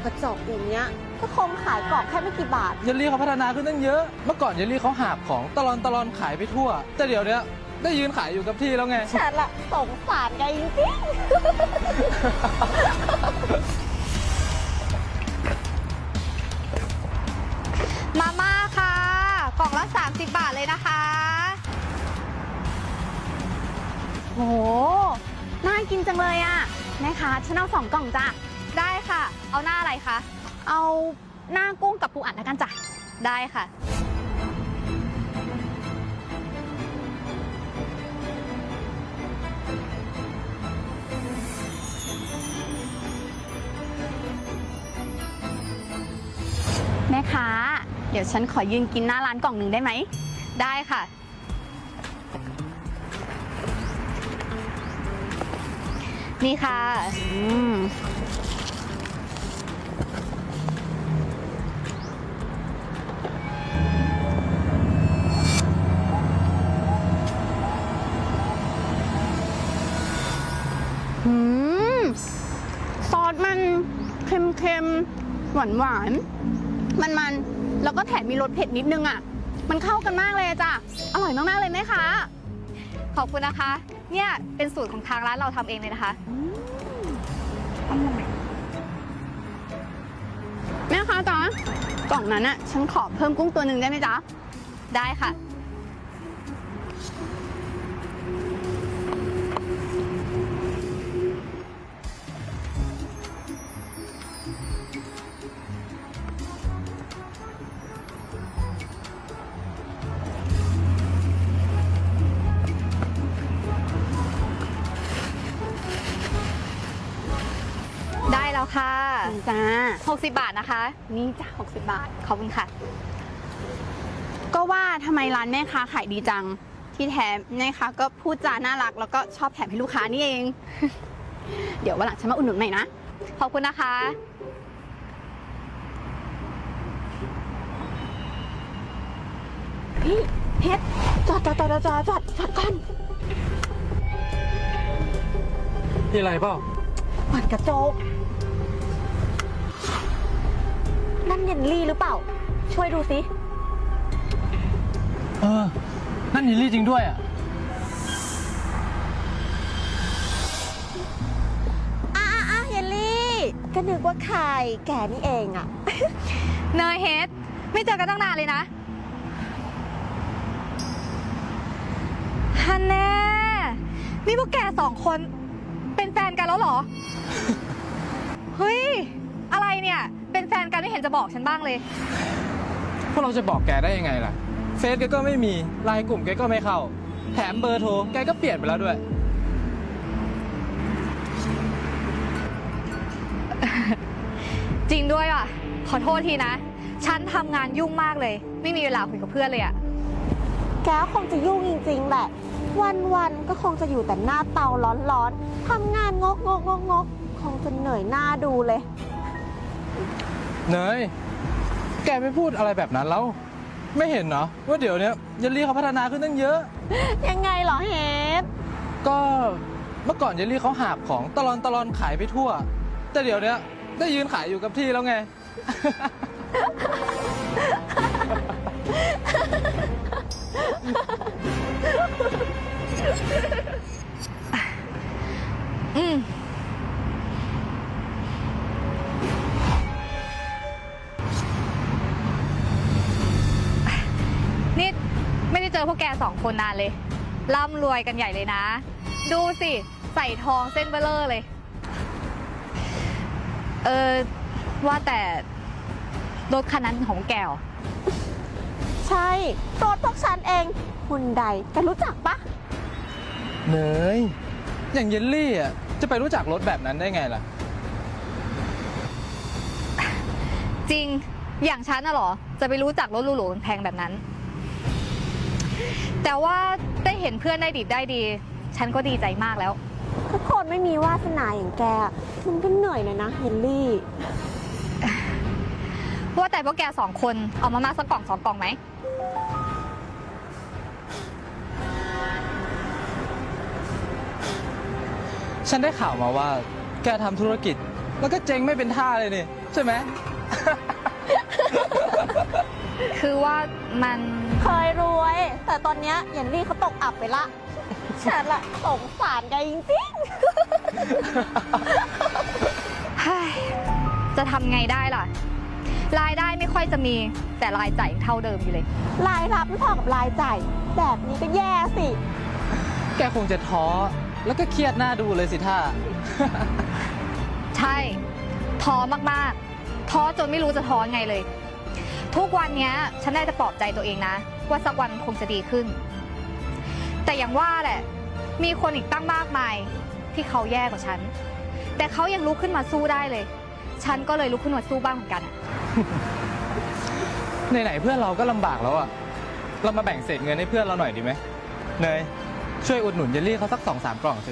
กระจอกอย่างเงี้ยก็คงขายกล่องแค่ไม่กี่บาทเยลลี่เขาพัฒนาขึ้นตั้งเยอะเมื่อก่อนเยลลี่เขาหาบของตลอนขายไปทั่วแต่เดี๋ยวนี้ได้ยืนขายอยู่กับที่แล้วไงฉันละสงสารแกจริงมาม่าค่ะกล่องละ30 บาทเลยนะคะโหน่ากินจังเลยอ่ะแม่ค้าฉันเอา2 กล่องจ้ะได้ค่ะเอาหน้าอะไรคะเอาหน้ากุ้งกับปูอัดแล้วกันจ้ะได้ค่ะแม่ค้าเดี๋ยวฉันขอยืนกินหน้าร้านกล่องหนึ่งได้ไหมได้ค่ะนี่ค่ะซอสมันเค็มๆหวานมันแล้วก็แถมมีรสเผ็ดนิดนึงอ่ะมันเข้ากันมากเลยจ้ะอร่อยมากๆเลยแม่ค้าขอบคุณนะคะเนี่ยเป็นสูตรของทางร้านเราทำเองเลยนะคะแม่ค้าจ๊ะกล่องนั้นอ่ะฉันขอเพิ่มกุ้งตัวหนึ่งได้ไหมจ๊ะได้ค่ะได้แล้วค่ะจ้า60 บาทนะคะนี่จ้า60 บาทขอบคุณค่ะก็ว่าทำไมร้านแม่ค้าขายดีจังที่แถมแม่ค้าก็พูดจาน่ารักแล้วก็ชอบแถมให้ลูกค้านี่เอง เดี๋ยววันหลังฉันมาอุดหนุนใหม่นะขอบคุณนะคะพี่เพชรจอดก่อนมีอะไรเปล่าปัดกระจกนั่นเยลลี่หรือเปล่าช่วยดูสินั่นเยลลี่จริงด้วยอ่ะเยลลี่ก็นึกว่าใครแกนี่เองอ่ะเนยเฮดไม่เจอกันตั้งนานเลยนะฮันแน่นี่พวกแก2 คนเป็นแฟนกันแล้วเหรอ เฮ้ยอะไรเนี่ยเป็นแฟนกันไม่เห็นจะบอกฉันบ้างเลยพวกเราจะบอกแกได้ยังไงล่ะเฟซแกก็ไม่มีไลน์กลุ่มแกก็ไม่เข้าแถมเบอร์โทรแกก็เปลี่ยนไปแล้วด้วยจริงด้วยว่ะขอโทษทีนะฉันทำงานยุ่งมากเลยไม่มีเวลาคุยกับเพื่อนเลยอะแกคงจะยุ่งจริงๆแหละวันๆก็คงจะอยู่แต่หน้าเตาร้อนๆทำงานงกคงจะเหนื่อยหน้าดูเลยเนยแกไม่พูดอะไรแบบนั้นแล้วไม่เห็นเนาะว่าเดี๋ยวนี้เยลลี่เขาพัฒนาขึ้นตั้งเยอะยังไงเหรอเฮดก็เมื่อก่อนเยลลี่เขาหาบของตลอนขายไปทั่วแต่เดี๋ยวนี้ได้ยืนขายอยู่กับที่แล้วไงนี่ไม่ได้เจอพวกแก2 คนนานเลยร่ำรวยกันใหญ่เลยนะดูสิใส่ทองเส้นเบลอเลยว่าแต่รถคันนั้นของแกวใช่รถพวกฉันเองคุณใดแกรู้จักปะเนยอย่างเยลลี่อ่ะจะไปรู้จักรถแบบนั้นได้ไงล่ะจริงอย่างฉันน่ะหรอจะไปรู้จักรถหรูๆแพงแบบนั้นแต่ว่าได้เห็นเพื่อนได้ดิบได้ดีฉันก็ดีใจมากแล้วทุกคนไม่มีวาสนาอย่างแกมันก็เหนื่อยเลยนะเฮนรี่ว่าแต่พวกแก2 คนเอามาม่าสักกล่อง2 กล่องไหมฉันได้ข่าวมาว่าแกทำธุรกิจแล้วก็เจ๊งไม่เป็นท่าเลยนี่ใช่ไหมคือว่ามันเคยรวย แต่ตอนเนี้ยเยลลี่เขาตกอับไปละ ฉันละสงสารแกจริงเฮ้ยจะทำไงได้ล่ะ รายได้ไม่ค่อยจะมีแต่รายจ่ายยังเท่าเดิมอยู่เลยๆ รายรับไม่พอกับรายจ่ายแบบนี้ก็แย่สิแกคงจะท้อแล้วก็เครียดหน้าดูเลยสิท่าใช่ ท้อมากๆ ท้อจนไม่รู้จะท้อไงเลย ทุกวันเนี้ยฉันได้แต่ปลอบใจตัวเองนะ ว่าสักวันคงจะดีขึ้น แต่อย่างว่าแหละ มีคนอีกตั้งมากมายที่เขาแย่กว่าฉัน แต่เขายังลุกขึ้นมาสู้ได้เลย ฉันก็เลยลุกขึ้นมาสู้บ้างเหมือนกันอะไหนๆเพื่อนเราก็ลำบากแล้วอะเรามาแบ่งเศษเงินให้เพื่อนเราหน่อยดีไหมเนยช่วยอุดหนุนเยลลี่เขาสัก2-3 กล่องสิ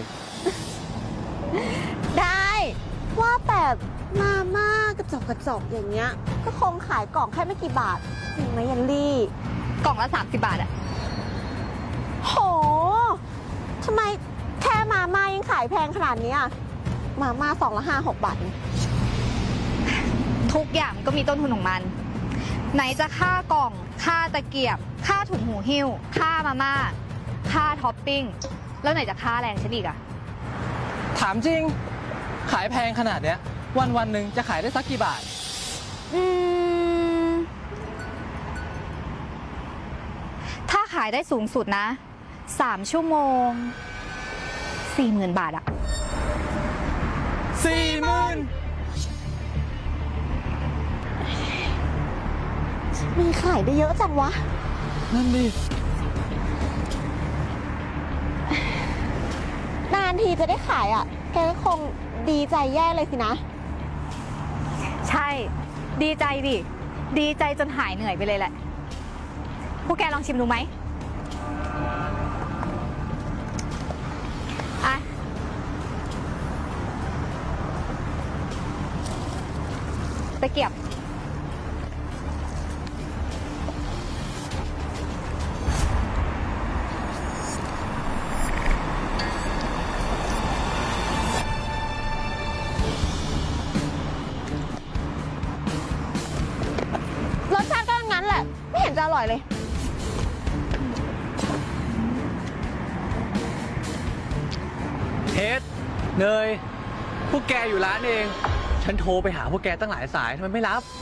ได้ ว่าแต่มาม่ากระจอกอย่างเงี้ย ก็คงขายกล่องแค่ไม่กี่บาท จริงไหมเยลลี่กล่องละ30 บาทอะโห ทำไมแค่มาม่ายังขายแพงขนาดนี้อะมาม่า2 ละ 5-6 บาทเองทุกอย่างก็มีต้นทุนของมัน ไหนจะค่ากล่อง ค่าตะเกียบ ค่าถุงหูหิ้ว ค่ามาม่า ค่าท็อปปิ้ง แล้วไหนจะค่าแรงฉันอีกอะถามจริง ขายแพงขนาดเนี้ย วันหนึ่งจะขายได้สักกี่บาทอืม ถ้าขายได้สูงสุดนะ 3 ชั่วโมง 40,000 บาทอะ 40,000 มีขายได้เยอะจังวะนั่นดินานทีจะได้ขายอ่ะ แกก็คงดีใจแย่เลยสินะใช่ ดีใจดิ ดีใจจนหายเหนื่อยไปเลยแหละ พวกแกลองชิมดูไหมอ่ะ ตะเกียบรสชาติก็งั้นแหละ ไม่เห็นจะอร่อยเลยเฮดเนย พวกแกอยู่ร้านเอง ฉันโทรไปหาพวกแกตั้งหลายสายทำไมไม่รับ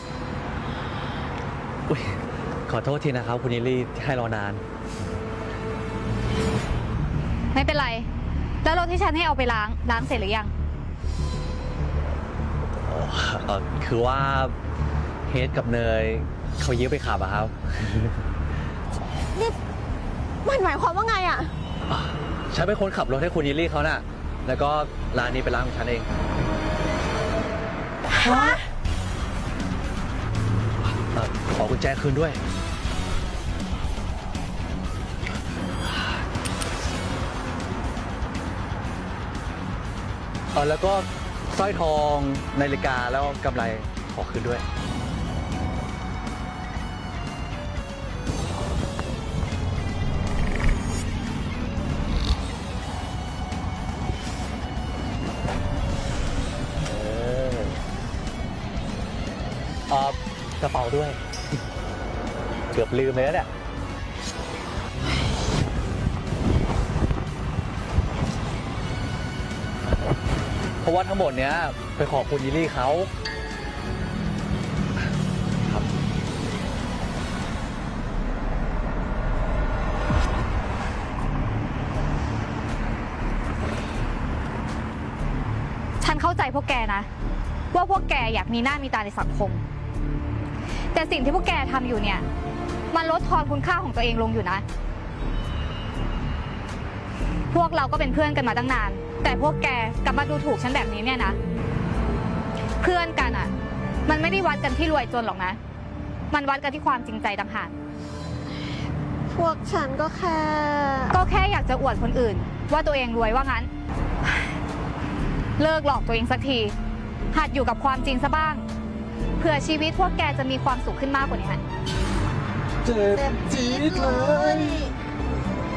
อุ๊ยขอโทษทีนะครับคุณยิลลี่ที่ให้รอนานไม่เป็นไร แล้วรถที่ฉันให้เอาไปล้างเสร็จหรือยังคือว่าเฮดกับเนยเขายืมไปขับอะครับนี่มันหมายความว่าไงอ่ะฉันเป็นคนขับรถให้คุณยิลลี่เขาน่ะ แล้วก็ร้านนี้เป็นร้านของฉันเองฮะขอกุญแจคืนด้วย แล้วก็สร้อยทองนาฬิกาแล้วกำไรขอคืนด้วย กระเป๋าด้วย เกือบลืมไปแล้วเนี่ย เพราะว่าทั้งหมดเนี้ยไปขอบคุณยิลลี่เขาครับฉันเข้าใจพวกแกนะ ว่าพวกแกอยากมีหน้ามีตาในสังคม แต่สิ่งที่พวกแกทำอยู่เนี่ย มันลดทอนคุณค่าของตัวเองลงอยู่นะ พวกเราก็เป็นเพื่อนกันมาตั้งนาน แต่พวกแกกลับมาดูถูกฉันแบบนี้เนี่ยนะ เพื่อนกันอ่ะ มันไม่ได้วัดกันที่รวยจนหรอกนะ มันวัดกันที่ความจริงใจต่างหากพวกฉันก็แค่ก็แค่อยากจะอวดคนอื่น ว่าตัวเองรวยว่างั้น เลิกหลอกตัวเองสักที หัดอยู่กับความจริงซะบ้าง เผื่อชีวิตพวกแกจะมีความสุขขึ้นมากกว่านี้เจ็บจี๊ดเลย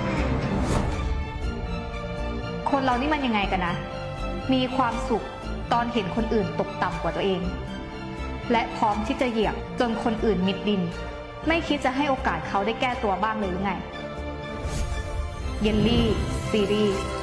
คนเรานี่มันยังไงกันนะ มีความสุขตอนเห็นคนอื่นตกต่ำกว่าตัวเอง และพร้อมที่จะเหยียบจนคนอื่นมิดดิน ไม่คิดจะให้โอกาสเขาได้แก้ตัวบ้างเลยหรือไง เยลลี่ซีรีส์